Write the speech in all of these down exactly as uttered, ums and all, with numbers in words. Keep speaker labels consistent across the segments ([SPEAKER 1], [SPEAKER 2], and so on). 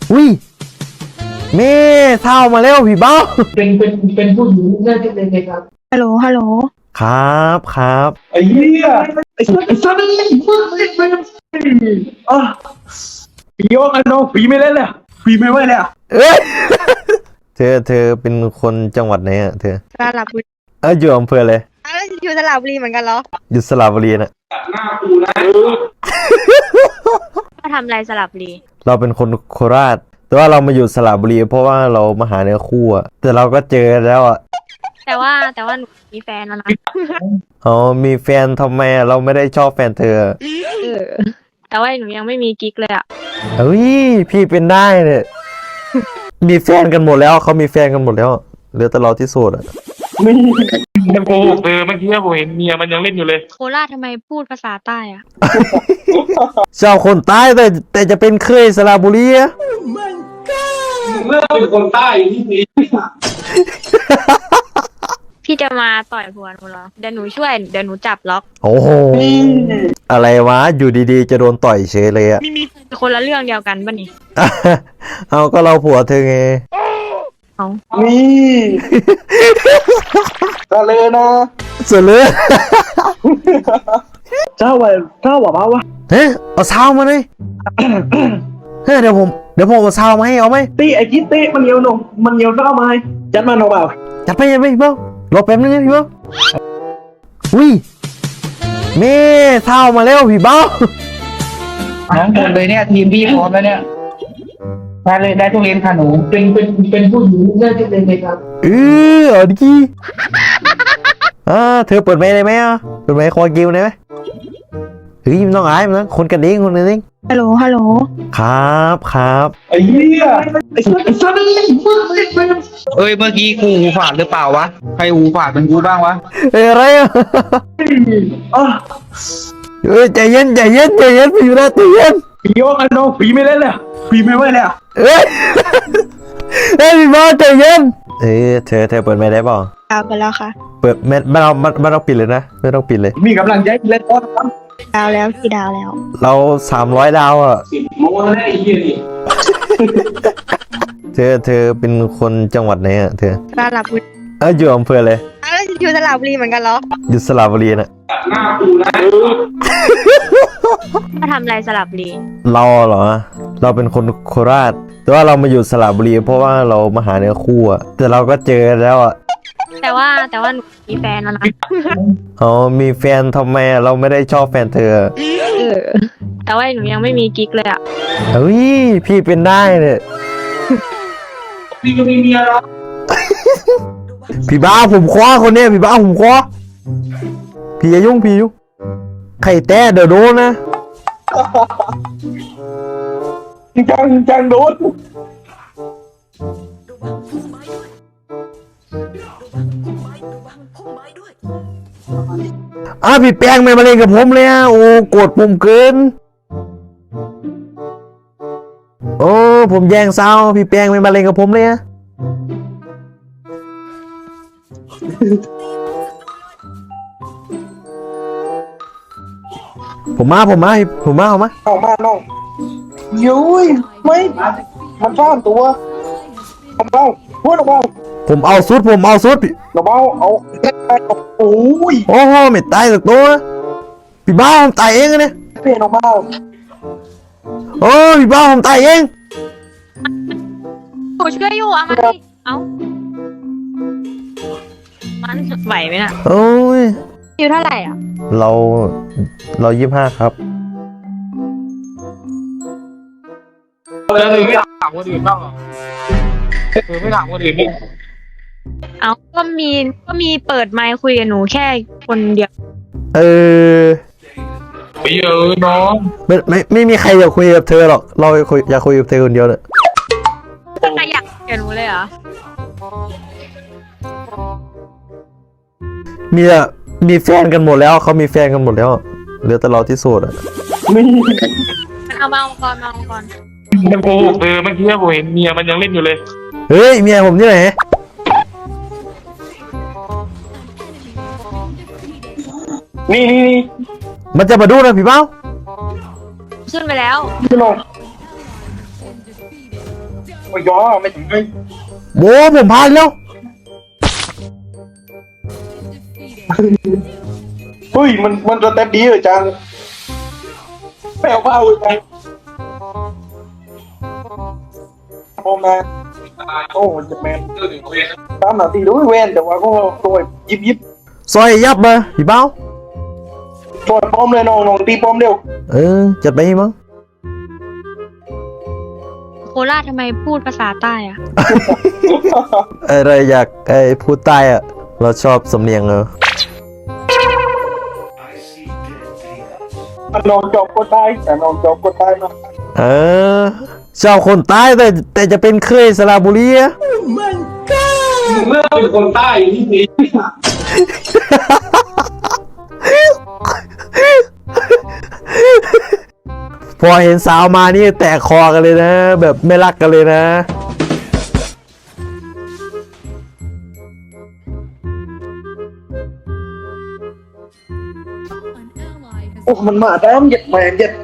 [SPEAKER 1] อุ้ยเม่เท่ามาแล้วพี่เบ้า
[SPEAKER 2] เป็นเป็นเป็นผู้หญิงน่าจะเป็นไงครับ
[SPEAKER 3] ฮัลโหลฮัลโหล
[SPEAKER 1] ครับครับ
[SPEAKER 2] ไอ้เหี้ยไอ้สัสไอ้สัสนี่มึงไม่เป็นอ่ะผีว่ากันน้องผีไม่เล่นเลยผีไม่ไหวเลย
[SPEAKER 1] เอ้ยเธอเธอเป็นคนจังหวัดไหนอ่ะเธอ
[SPEAKER 3] สระบุรี
[SPEAKER 1] เอออยู่อำเภอเลย
[SPEAKER 3] อ้าวอยู่สระบุรีเหมือนกันเหรอ
[SPEAKER 1] อยู่สระบุรีนะ
[SPEAKER 2] หน้ากูนะ
[SPEAKER 3] มาทำอะไรสระบุรี
[SPEAKER 1] เราเป็นคนโคราชแต่ว่าเรามาอยู่สระบุรีเพราะว่าเรามาหาเนื้อคู่อะแต่เราก็เจอแล้วอ่ะ
[SPEAKER 3] แต่ว่าแต่ว่าหนูมีแฟนแล้วนะ
[SPEAKER 1] อ๋อมีแฟนทำไมเราไม่ได้ชอบแฟนเธอ
[SPEAKER 3] เออแต่ว่าหนูยังไม่มีกิ๊กเลยอ่ะ
[SPEAKER 1] เฮ้ยพี่เป็นได้เนี่ยมีแฟนกันหมดแล้วเขามีแฟนกันหมดแล้วเหลือแต่เราที่โสดอ่ะ
[SPEAKER 2] นี่มันโกหกเออเมื่อกี้ผมเห็นเมียมันยังเล่นอยู่เลย
[SPEAKER 3] โคราชทำไมพูดภาษาใต้อ่ะ
[SPEAKER 1] ชาวคนใต้แต่แต่จะเป็นเคยสระบุรีอะ
[SPEAKER 2] เลิกเป็นคนใต้ที่นี่
[SPEAKER 3] พี่จะมาต่อยหัวหนูเหรอเดี๋ยวหนูช่วยเดี๋ยวหนูจับล็อก
[SPEAKER 1] โอ้โหอะไรวะอยู่ดีๆจะโดนต่อยเฉยเลยอะ
[SPEAKER 3] คนละเรื่องเดียวกันป่ะนี่
[SPEAKER 1] เอาก็เราผัวเธอไง
[SPEAKER 3] เอา
[SPEAKER 2] นี่ก็เลยนะ
[SPEAKER 1] สุดเลย
[SPEAKER 2] เจ้าว่าเจ้าว่าเปล่าวะ
[SPEAKER 1] เฮ้ยเอาเช้ามาเลยเฮ้ยเดี๋ยวผมเดี๋ยวผมเอาเช้ามาให้เอาไหม
[SPEAKER 2] ตีไอ้กิ๊ดตีมันเยียวนงมันเยียวเจ้ามาจัดมาหน่อยเปล่า
[SPEAKER 1] จัดไปจัดไปพี่เบ้ารอแป๊บนึงนะพี่เบ้าอุ้ยเม่เช้ามาแล้วพี่เบ้า
[SPEAKER 4] น้องหมดเลยเนี่ยทีมพี่พร้อมแล้วเนี่ยมาเลยได้ทุเรียนค่ะหนู
[SPEAKER 2] เป็นเป็นเป็นผู้หญิงน่าจะเป็นไงครับ
[SPEAKER 1] เออเอาดิอ่าเธอเปิดไมค์ได้ไหมอ่ะเปิดไมค์คอกิวได้ไหมเฮ้ยมันต้องอายมันนะคนกันเองคนกันเอง
[SPEAKER 3] ฮัลโหลฮัลโหล
[SPEAKER 1] ครับครับ
[SPEAKER 2] ไอ้เหี้ยไอ้สัสไอ้สัสนี่มึงไม่เป็น
[SPEAKER 4] เอ้ยเมื่อกี้กูหูฝาดหรือเปล่าวะใครหูฝาดเป็นกูบ้างวะ
[SPEAKER 1] เอ้ยอะไรอ่ะ
[SPEAKER 2] อ่ะ
[SPEAKER 1] เอ้ยใจเย็นใจเย็นใจเย็นพี่อยู่นะใจเย็น
[SPEAKER 2] ผีว่ากันน้องผีไม่เล่นเลยผีไม่ไหวเลย
[SPEAKER 1] เอ้ยเอ้ยพี่บอสใจเย็นเอ้ยเธอเธอเปิดไมค์ได้เปล่า
[SPEAKER 3] ดาวไปแล้วค่ะ
[SPEAKER 1] เปิดไม่ไม่ต้องไม่ต้องปิดเลยนะไม่ต้องปิดเลย
[SPEAKER 2] มีกำลังใจเล่นก้อนครับ
[SPEAKER 3] ดาวแล้วกี่ดาวแล้ว
[SPEAKER 1] เราสามร้อยดาวอ่ะ
[SPEAKER 2] โมแล้วไอ้เหี้ยนี่
[SPEAKER 1] เธอเธอเป็นคนจังหวัดไหนอ่ะเธอ
[SPEAKER 3] สระบุรี
[SPEAKER 1] เอออยู่อำเภอเลย
[SPEAKER 3] อ้าวอยู่สระบุรีเหมือนกันเหรอ
[SPEAKER 1] อยู่สระบุรีนะ
[SPEAKER 2] หน้ากูนะ
[SPEAKER 3] มาทำอะไรสระบุรี
[SPEAKER 1] เราเหรอเราเป็นคนโคราชแต่ว่าเรามาอยู่สระบุรีเพราะว่าเรามาหาเนื้อคู่อ่ะแต่เราก็เจอแล้วอ่ะ
[SPEAKER 3] แต่ว่าแต่ว่าหนูมีแฟนแล้วนะ
[SPEAKER 1] อ๋อมีแฟนทำไมเราไม่ได้ชอบแฟนเธอ
[SPEAKER 3] เออแต่ว่าหนูยังไม่มีกิ๊กเลยอ่ะ
[SPEAKER 1] เฮ้ยพี่เป็นได้เนี่ย
[SPEAKER 2] พี่ก็มีเมียแล้ว
[SPEAKER 1] พี่บ้าผมคว้าคนเนี้ยพี่บ้าผมคว้าพี่อย่ายุ่งพี่ยุ่งไข่แต้เดี๋ยวโดนนะ
[SPEAKER 2] จังจังโดน
[SPEAKER 1] อ่ะพี่แป้งไม่มาเล่นกับผมเลยอ่ะโอ้โกรธผมเกินโอ้ผมแย่งเศร้าพี่แป้งไม่มาเล่นกับผมเลยอ่ะผมมาผมมาผมมาเอามา
[SPEAKER 2] เอามาน้องยุ้ยไม่มันซ่อนตัวเอาเบาพูดเอาเบา
[SPEAKER 1] ผมเอาสุดผมเอาสุด
[SPEAKER 2] เอาเบาเอาโอ้ย
[SPEAKER 1] โอ้โหไม่ตายสักตัวพี่บ้าผมตายเองเนี่ย
[SPEAKER 2] เปลี่ยนเอาเบา
[SPEAKER 1] โอ้พี่บ้าผมตายเอง
[SPEAKER 3] ผมช่วยอยู่อ่ะมาดิเอามันไหวไหมน่ะ
[SPEAKER 1] โอ้ย
[SPEAKER 3] อยู่เท่าไหร่อ่ะ
[SPEAKER 1] เราเรายี่สิบห้าครับ
[SPEAKER 4] แล้วเธอไม่ถามคนอื่นบ้างเหรอเธอไม่ถามคนอื่นนี่
[SPEAKER 3] เอาก็มีก็มีเปิดไมค์คุยกับหนูแค่คนเดียว
[SPEAKER 1] เออ
[SPEAKER 4] ไปเยอะน้อง
[SPEAKER 1] ไม่ไม่ไม่มีใครอยากคุยกับเธอหรอกเราคุยอยากคุยกับเธอคนเดียวเลย
[SPEAKER 3] ใครอยากกับหนูเลยเหรอ
[SPEAKER 1] มีอะมีแฟนกันหมดแล้วเขามีแฟนกันหมดแล้วเหลือแต่เราที่โสดอ่ะ
[SPEAKER 3] มันเอามาเอาก่อนมาเอาก่อน
[SPEAKER 4] มันโกหกเออเมื่อกี้ผมเห็นเมียมันยังเล่นอยู่เลย
[SPEAKER 1] เฮ้ยเมียผมที่ไหน
[SPEAKER 2] นี่นี่นี่
[SPEAKER 1] มันจะมาดูนะพี่เป้า
[SPEAKER 3] ขึ้นไปแล้ว
[SPEAKER 2] พี่ลงโอ้ยย่อไม่ถึงเลย
[SPEAKER 1] โบ้ผมพลาดแล้ว
[SPEAKER 2] เฮ้ยมันมันจะเต็มดีเหรอจังแปลว่าเอาไปโอ้แมนโอ้จะแมนตามหน้าที่ด้วยเว้นแต่ว่าก็ตัวยิบยิบ
[SPEAKER 1] ซอยยับมาพี่เบ้า
[SPEAKER 2] ตัวป้อมเลยน้องน้องตีป้อมเร็ว
[SPEAKER 1] เออจัดไปมั้ง
[SPEAKER 3] โคราชทำไมพูดภาษาใต้อะ
[SPEAKER 1] อะไรอยากไอ้พูดใต้อะเราชอบสำเนียงเออ
[SPEAKER 2] น้องจบก็ตายแต่น้องจบก็ตายมา
[SPEAKER 1] เออชอบคนใต้แต่แต่จะเป็นเคยสระบุรีอะ
[SPEAKER 2] เมื่อเป็นคนใต้ที่นี่
[SPEAKER 1] พอเห็นสาวมานี่แตกคอกันเลยนะ แบบไม่รักกันเลยนะ
[SPEAKER 2] โอ้มันมาด้ามเหย็ดแมนเหย็ด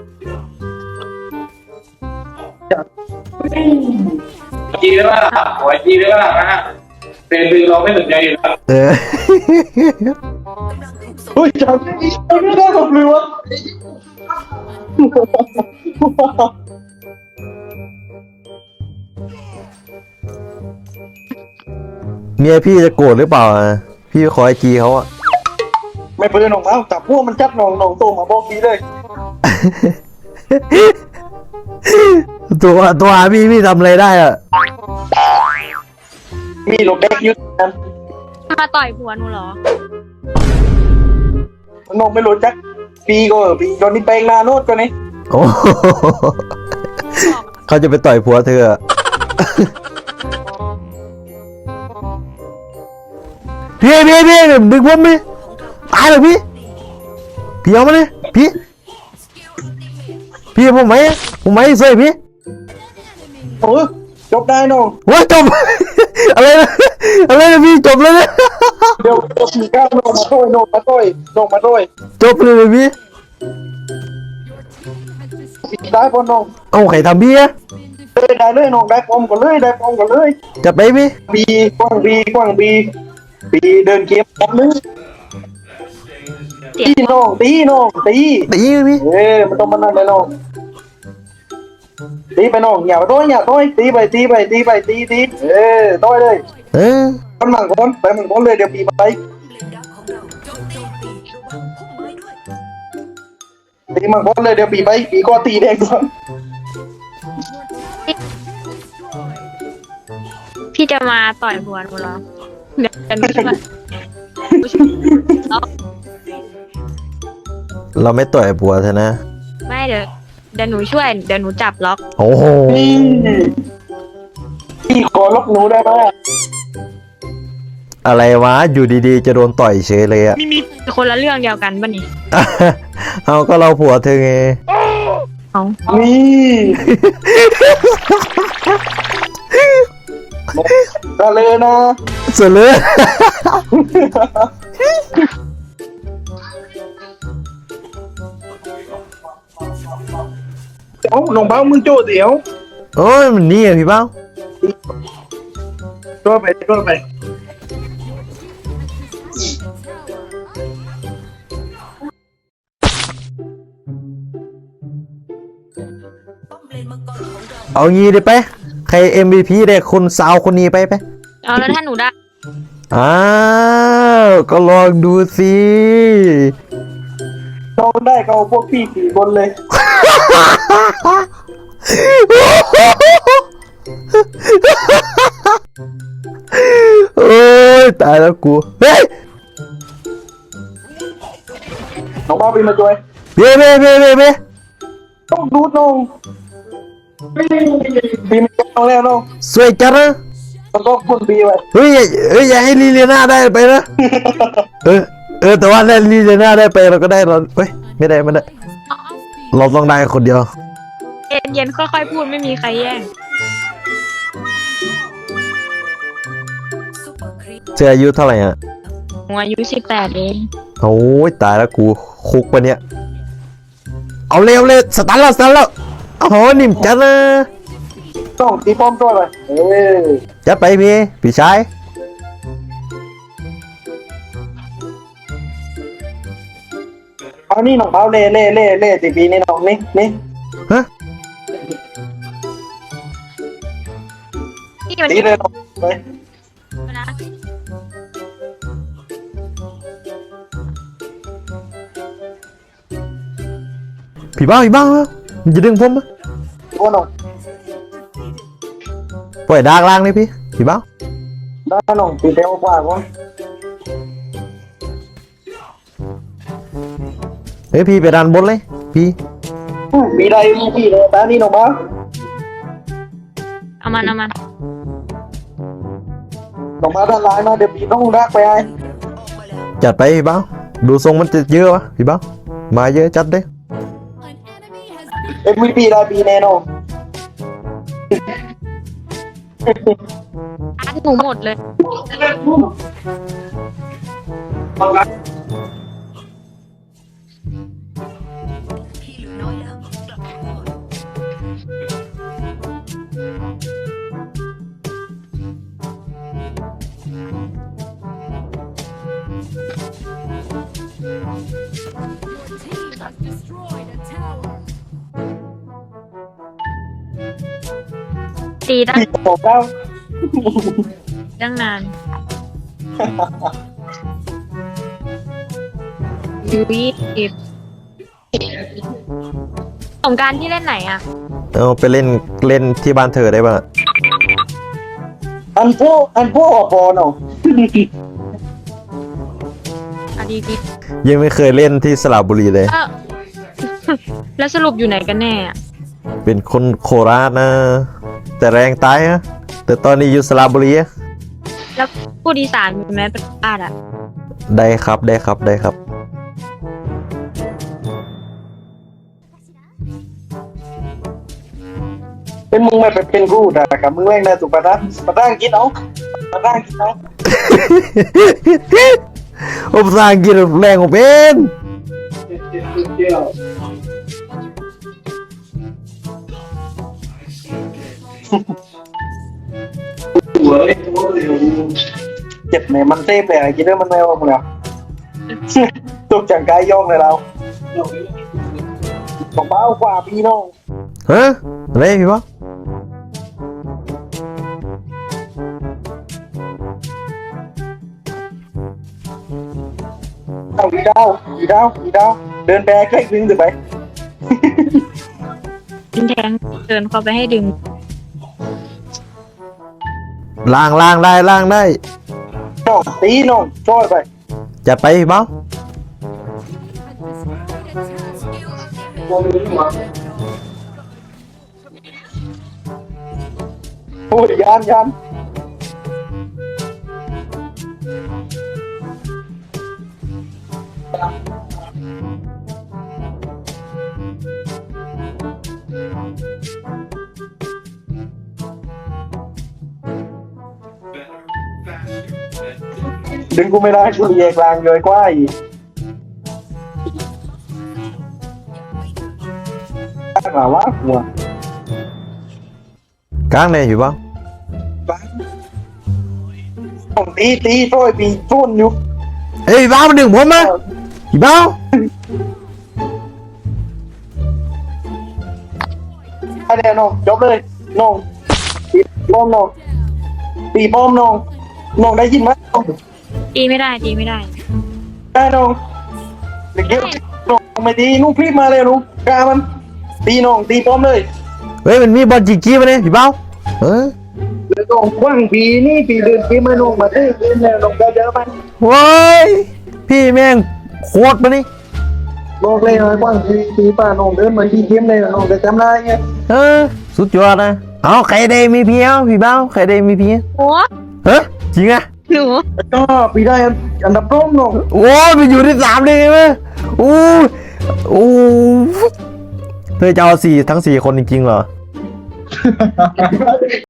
[SPEAKER 2] จีได้ป่ะหัวจีได้ป่ะนะฮะเป็นคือเราไม่สนใจอยู่แล้ว
[SPEAKER 1] เออ
[SPEAKER 2] เฮ้ยจังไม่ได้หรอกเลยวะ
[SPEAKER 1] เมียพี่จะโกรธหรือเปล่าอะพี่ขอไอจีเขาอะ
[SPEAKER 2] ไม่เป็นน้องแล้วจับพวกมันจับน้องน้องโตมาบอกดีเลย
[SPEAKER 1] ตัวตัวหาพี่พี่ทำอะไรได้อะ
[SPEAKER 2] มีโลเด็กยุทธนะ
[SPEAKER 3] มาต่อยผัวหนูเหรอ
[SPEAKER 2] น้องไม่รู้จักปีก็ปีตอนนี้แปลงนาโนดก็นี่
[SPEAKER 1] โอ้โหเขาจะไปต่อยผัวเธออะพี่พี่พี่ดึงผมดิตายเลยพี่พี่เอามาเลยพี่พี่ผมไหมผมไหมเซ่พี่
[SPEAKER 2] โอ้จบได้น้อง
[SPEAKER 1] ว้าจบ อะไรนะอะไรนะพี่จบเลยนะ
[SPEAKER 2] เดี๋ยวจบสี่เก้าน้องมาต้อยน้องมาต้อยน้องมาต้อย
[SPEAKER 1] จบเลยพี่
[SPEAKER 2] ปิดได้พอน้อง
[SPEAKER 1] เอาไข่ทำพี่อะ
[SPEAKER 2] เลยได้เลยน้องได้พร้อมกันเลยได้พร้อมกันเลย
[SPEAKER 1] จัดไปพี่
[SPEAKER 2] บีกว้างบีกว้างบีบีเดินเกมแป๊บนึง
[SPEAKER 3] เสีย
[SPEAKER 2] ตี
[SPEAKER 3] ง
[SPEAKER 2] น้องตีน้องตี
[SPEAKER 1] ตีพี่
[SPEAKER 2] เอ้ยมันต้องมานั่งเลยน้องตีไปน้องอย่าไปต้อยอย่าต้อยตีไปตีไปตีไปตีตีเอ้ยต้อยเลย
[SPEAKER 1] เออ
[SPEAKER 2] มันมังคนไปมังคนเลยเดี๋ยวปีไปตีมังคนเลยเดี๋ยวปีไปปีก็ตีแดงก่อน
[SPEAKER 3] พี่จะมาต่อยผัวหนูเหรอเดี๋ยวหนูช่วย
[SPEAKER 1] เราไม่ต่อยผัวเธอนะ
[SPEAKER 3] ไม่เดี๋ยวเดี๋ยวหนูช่วยเดี๋ยวหนูจับล็อก
[SPEAKER 1] โอ้โห
[SPEAKER 2] พี่พี่ขอลบหนูได้ไหม
[SPEAKER 1] อะไรวะอยู่ดีๆจะโดนต่อยเฉยเลยอะ
[SPEAKER 3] คนละเรื่องเดียวกันป่ะนี่
[SPEAKER 1] เอาก็เราผัวเธอไง
[SPEAKER 3] เอา
[SPEAKER 2] นี่ก็เลยนะ
[SPEAKER 1] เสร็จเลย
[SPEAKER 2] เดี๋ยวน้องเบ้ามึงโจ้เดี๋ยว
[SPEAKER 1] โอ้ยมันนี่อะพี่เป้า
[SPEAKER 2] ตัวไปตัวไป
[SPEAKER 1] เอางี้ดิไป ใคร เอ็ม วี พี ได้คนสาวคนนี้ไปไป
[SPEAKER 3] เอาแล้วถ้าหนูได้
[SPEAKER 1] อ้าวก็ลองดูสิ
[SPEAKER 2] น้องได้ก็เอาพวกพี่สี่คนเลย
[SPEAKER 1] โอ้ยตายแล้วกูเฮ้ย
[SPEAKER 2] น้องเบ้าไปมาช่วย
[SPEAKER 1] เบ้เบ้เบ้เบ้เบ้
[SPEAKER 2] ต้องดูน้องบีไม่ต้องแล้วน้อง
[SPEAKER 1] สวยจังนะ
[SPEAKER 2] ต้องก็คุณบีไว้
[SPEAKER 1] เฮ้ยอย่าเฮ้ยอย่าให้ลีเลียนาได้ไปนะเออเออแต่ว่าถ้าลีเลียนาได้ไปเราก็ได้เราเฮ้ยไม่ได้ไม่ได้เราต้องได้คนเดียว
[SPEAKER 3] เย็นเย็นๆค่อยๆพูดไม่มีใครแย่ง
[SPEAKER 1] เธออายุเท่าไหร่อ่ะ
[SPEAKER 3] หนูอายุสิบแปดเอง
[SPEAKER 1] โอ้ยตายแล้วกูคุกปะเนี่ยเอาเร็วเลยสตาร์ทแล้วสตาร์ทแล้วโอ้โหนิ่มจังนะ
[SPEAKER 2] ต้องตีป้อมตัวไปเออ
[SPEAKER 1] จัดไปพี่พี่ชาย
[SPEAKER 2] เอานี่น้องเบาเล่เล่เล่เล่ตีปีนี่น้องนี่นี่
[SPEAKER 1] ฮะ
[SPEAKER 3] นี่มัน
[SPEAKER 2] ตีเลยน้องไป
[SPEAKER 3] นะ
[SPEAKER 1] พี่เบ้าพี่เบ้ามันจะดึงผมปะ
[SPEAKER 2] ตัวน้อง
[SPEAKER 1] ปล่อยดากล่างเลยพี่พี่เบ้า
[SPEAKER 2] ได้น้องตีเร็วกว่าก่อน
[SPEAKER 1] เฮ้ยพี่ไปดันบนเลยพี่
[SPEAKER 2] ปีใดปีเลยตานี่น้องเบา
[SPEAKER 3] เอามันเอามัน
[SPEAKER 2] น้องเบาด้านหลังมาเดี๋ยวปีต้องรักไปไอ้
[SPEAKER 1] จัดไปพี่เบ้าดูทรงมันจะเยอะวะพี่เบ้ามาเยอะจัดเลย
[SPEAKER 2] เอ็มวีปีได้ปีแน่นอน
[SPEAKER 3] อัดหนูหมดเลย ตีตั้ง
[SPEAKER 2] ปีสองเก้า
[SPEAKER 3] ตั้งนานยูยี่สิบสงกรารที่เล่นไหนอ่ะ
[SPEAKER 1] เอาไปเล่นเล่นที่บ้านเธอได้ป่ะ
[SPEAKER 2] อันพวกอันพวกออกบอลน้อง
[SPEAKER 3] อะดีดี
[SPEAKER 1] ยังไม่เคยเล่นที่สระบุรีเลย
[SPEAKER 3] เออ แล้วสรุปอยู่ไหนกันแน่อะ
[SPEAKER 1] เป็นคนโคราชนะ แต่แรงตายนะแต่ตอนนี้อยู่สระบุรีอะ
[SPEAKER 3] แล้วพูดอีสานมีไหมเป็นบ้านอ่ะ
[SPEAKER 1] ได้ครับได้ครับได้ครับ
[SPEAKER 2] เป็นมึงไม่เป็นกูด่ากับมึงแม่งนะสุปาร์ปาร์กินเอาปาร์กินเอา
[SPEAKER 1] ผมภาษาอังกฤษแรงผมเป็น
[SPEAKER 2] เจ็บเนี่ยมันเซฟเลยกินได้มันไม่ว่ามึงอ่ะตกจากกายย่องเลยเราบอกเบ้ากว่าพี่น้อง
[SPEAKER 1] ฮะอะไรพี่วะ
[SPEAKER 2] เอาอีดาวอีดาวอีดาวเดินแบกแค่ดึงถึงไป
[SPEAKER 3] ดึงแทงเดินเข้าไปให้ดึง
[SPEAKER 1] ล่างล่างได้ล่างได้
[SPEAKER 2] น้องตีน้องช่วยไป
[SPEAKER 1] จัดไปพี่เบ้า
[SPEAKER 2] โอ้ยยานยานดึงกูไม่ได้กูเรียกลางเลยกว่าอีกหาว่าหัว
[SPEAKER 1] กลางเลยพี่เบ้า
[SPEAKER 2] ต้องตีตีช่วยปีชุ่นอยู่
[SPEAKER 1] เฮ้ยพี่เบ้ามันดึงผมมาพี่เบ้า
[SPEAKER 2] ไอเดียน้องจบเลยน้องตีป้อมน้องตีป้อมน้องน้องได้ยินไหมน้อง
[SPEAKER 3] ตีไม่ได้ตีไม่ได้
[SPEAKER 2] ได้น้องเด็กเยอะน้องไม่ตีนุ่งพริบมาเลยนุ่งกามันตีน้องตีป้อมเลย
[SPEAKER 1] เฮ้ยมันมีบอลจีจีมาเนี่ยพี่เบ้าเออ
[SPEAKER 2] แล้วน้องว่างปีนี่ปีเดินปีมาน้องมาตีเล่นแล้วน้องได้เยอะไหม
[SPEAKER 1] โว้ยพี่แม่งโคตรมานี่
[SPEAKER 2] น้องเลยน้อยว่างปีปีป้าน้องเดินมาที่เกมเลยน้องจะจำได้ไง
[SPEAKER 1] เออสุดยอดนะเอาใครได้มีเพียวพี่เบ้าใครได้มีเพียว
[SPEAKER 3] โอ้
[SPEAKER 1] เฮ้ยจริงอะ
[SPEAKER 3] หนู
[SPEAKER 2] ก็ปีได้อันดับต้นน้อง
[SPEAKER 1] โอ้ยมันอยู่ที่สามเลยไหมโอ้ยโอ้ยเธอจะเอาสี่ทั้งสี่คนจริงๆเหรอ